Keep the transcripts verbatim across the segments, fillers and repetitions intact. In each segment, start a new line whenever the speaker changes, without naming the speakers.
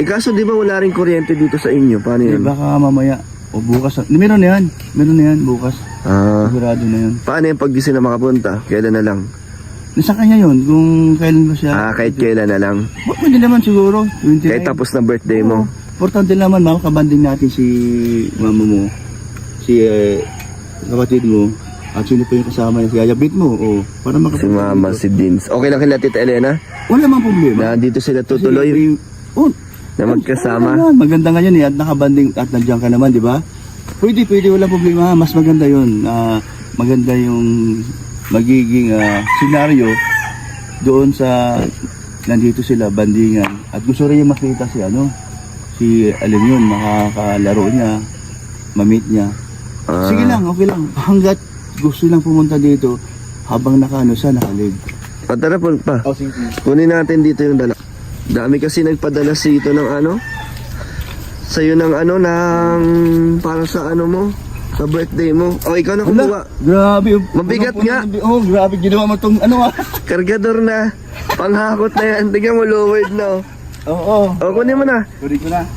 Eh kaso di ba wala rin kuryente dito sa inyo? Paano
Eh,
yan?
baka mamaya, o bukas, meron na yan, meron na yan, bukas.
Ah,
Sigurado na yan.
paano yung pag di sila makapunta? Kailan na lang?
Nasa kanya yun, kung kailan ba siya.
Ah, kahit kailan na lang.
P- Pwede naman siguro, twenty-nine.
Kahit tapos na birthday mo.
Importante naman, mama, kabanding natin si mama mo, si eh, kapatid mo, at sino pa yung kasama niya, si Ayabit mo, o, para
Si
makapag-
Mama, si Dins. Okay lang kila Tita Elena?
Wala mang problema.
Na dito sila
Kasi,
tutuloy
eh, oh,
na magkasama?
Ano, maganda nga yun eh, at nakabanding at nandiyan ka naman, di ba? Pwede, pwede, walang problema. Mas maganda yun. Ah, maganda yung magiging ah, senaryo doon sa nandito sila, bandingan. At gusto rin yung makita si ano, si alam yun, makakalaro niya, mamit niya.
Ah.
Sige lang, okay lang. Hanggat gusto lang pumunta dito, habang nakaano siya, nakalib.
O tara po pa.
Oh, sige.
Kunin natin dito yung dala. Dami kasi nagpadala si ito ng ano. Sa'yo ng ano, ng para sa ano mo, sa birthday mo. O ikaw na kumuha.
Wala, grabe.
Mabigat
Punong-puno
nga.
ng bi- Oh, grabe. Ginawa mo tong ano ah.
Kargador na. Panghakot na yan. Tingnan mo, lowered na. oh.
Oo.
O kunin mo na.
Kunin ko na.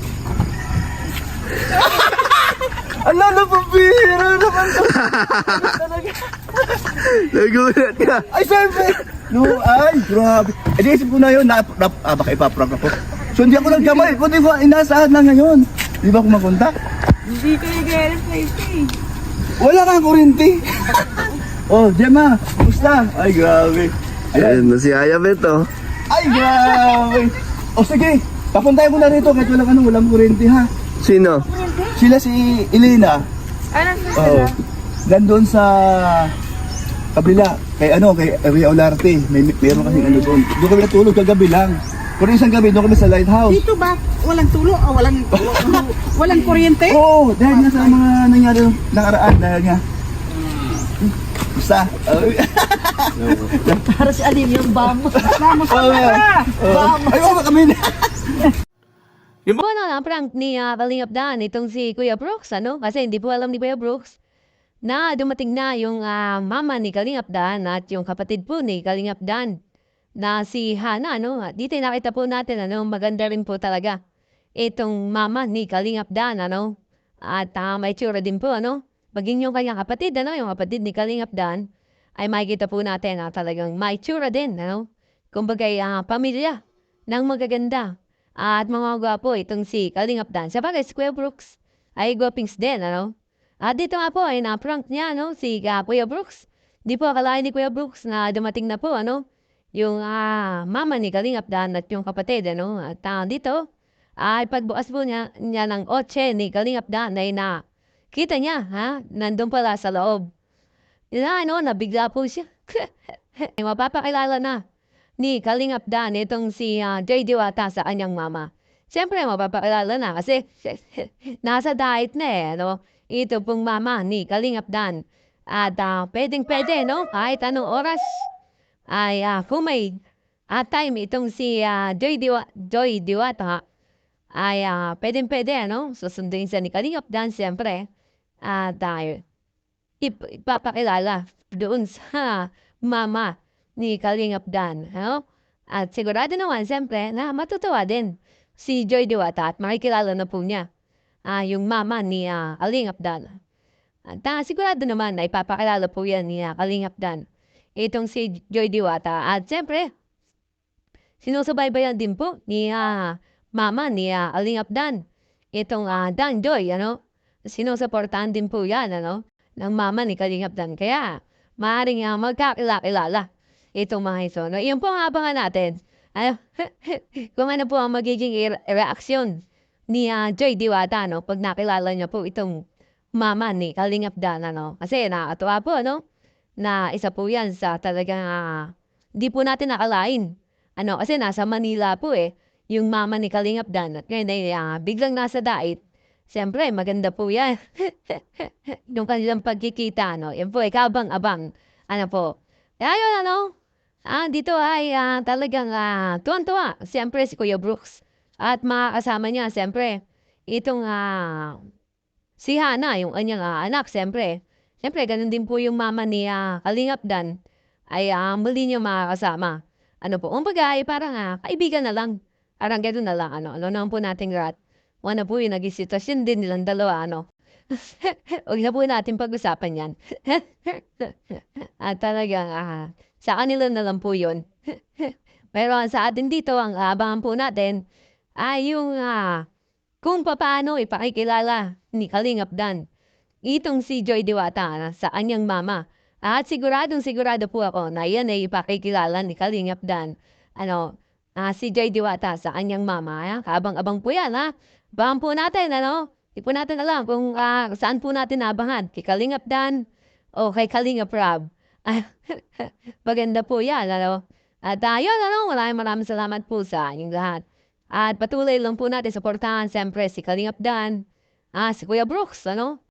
Ala na, pabira naman to. Talaga.
Nagulat ka.
Ay, siyempre. No, ay, grabe. Eh, di isip ko na yun. Na, na, ah, baka ipaprank ako. So, hindi ako nagkamay. Kundi ko, inaasahan na ngayon. Di ba ako makontak?
Hindi ko nag-replace eh.
Wala kang kurinti. Oh, Gemma. Kumusta? Ay, grabe.
Ayan
Ayan.
na si Ayabet oh.
Ay, grabe. O, sige. Papuntahin mo na rito kahit walang ano, walang kurinti, ha?
Sino?
Sila si Elena.
Ano sa
Oo.
sila?
Nandun sa kabila, kay ano, kay Ria Olarte. May meron kasi ano doon. Doon kami natulog kagabi lang. Pero isang gabi, doon kami sa lighthouse.
Dito ba? Walang tulo? O walang, walang kuryente?
Oo, dahil nga sa mga nangyari nung nakaraan, dahil nga. Basta.
Para si Alim yung bamos. Bamos
Oo,
Bamos.
ay, oo, kami na.
Po, ano na, prank ni uh, Kalingap Dan, itong si Kuya Brooks, ano? Kasi hindi po alam ni Kuya Brooks na dumating na yung ah, mama ni Kalingap Dan at yung kapatid po ni Kalingap Dan na si Hana, ano? At dito nakita po natin, ano? Maganda rin po talaga itong mama ni Kalingap Dan, ano? At ah, may tsura din po, ano? Maging yung kanyang kapatid, ano? Yung kapatid ni Kalingap Dan ay makikita po natin na talagang may tsura din, ano? Kumbaga, ah, pamilya ng magaganda. At mga gwapo, itong si Kalingap Dan. Sa bagay, si Kuya Brooks ay gwapings din, ano? At dito nga po ay na-prank niya, no? Si uh, Kuya Brooks. Di po akalain ni Kuya Brooks na dumating na po, ano? Yung uh, mama ni Kalingap Dan at yung kapatid, ano? At uh, dito ay pagbukas po niya, niya ng otse ni Kalingap Dan ay na kita niya, ha? Nandun pala sa loob. Yun na, ano? Nabigla po siya. Mapapakilala na ni Kalingap Dan itong si uh, J. Diwata sa kanyang mama. Siyempre, mapapakilala na kasi nasa diet na eh, no? Ito pong mama ni Kalingap Dan. At uh, pwedeng-pwede, no? Kahit anong oras ay uh, kung may uh, time itong si uh, Joy, Diwa Joy Diwata ay uh, pwedeng-pwede, no? Susunduin siya ni Kalingap Dan, siyempre. At uh, ip ipapakilala doon sa mama ni Kalingap Dan, ano? At sigurado naman, siyempre, na matutuwa din si Joy Diwata at makikilala na po niya ah, yung mama ni uh, Kalingap Dan. At uh, sigurado naman na ipapakilala po yan ni uh, Kalingap Dan itong si Joy Diwata. At siyempre, sinusubaybayan din po ni uh, mama ni uh, Kalingap Dan itong uh, Dan Joy, ano? Sinusuportahan din po yan, ano? Ng mama ni Kalingap Dan. Kaya, maaaring uh, magkakilala itong mga ito. No, iyon po ang abangan natin. Ano, kung ano po ang magiging re- reaksyon ni uh, Joy Diwata, no? Pag nakilala niya po itong mama ni Kalingap Dan, ano? Kasi nakakatuwa po, no? Na isa po yan sa talagang uh, di po natin nakalain. Ano? Kasi nasa Manila po eh, yung mama ni Kalingap Dan. At ngayon ay uh, biglang nasa dait. Siyempre, maganda po yan. Yung kanilang pagkikita, no? Yan po ay kabang-abang. Ano po? Kaya yun, ano? Ah, dito ay ah, talagang ah, tuwan-tuwa. Siyempre si Kuya Brooks. At mga kasama niya, siyempre, itong ah, si Hana, yung kanyang ah, anak, siyempre. Siyempre, ganun din po yung mama ni ah, Kalingap Dan ay ah, muli niya makakasama. Ano po, kumbaga ay parang ah, kaibigan na lang Arang gano'n na lang, ano, ano naman po nating lahat. Wala po yung naging sitwasyon din nilang dalawa, ano. Huwag na po natin pag-usapan yan. At talagang, ah, sa kanila na lang po yun. Pero ang sa atin dito, ang aabangan po natin ay yung ah, kung papaano ipakikilala ni Kalingap Dan itong si Joy Diwata na sa kanyang mama. At siguradong sigurado po ako na yan ay ipakikilala ni Kalingap Dan. Ano, ah, si Joy Diwata sa kanyang mama. Ah, kabang-abang po yan, ha? Abangan po natin, ano? Hindi po natin alam kung ah, saan po natin nabangan. Kay Kalingap Dan o kay Kalingap Rob. Maganda po yan, ano? At uh, yun, ano, maraming maraming salamat po sa inyong lahat. At patuloy lang po natin suportahan siyempre si Kalingap Dan, ah, si Kuya Brooks, ano?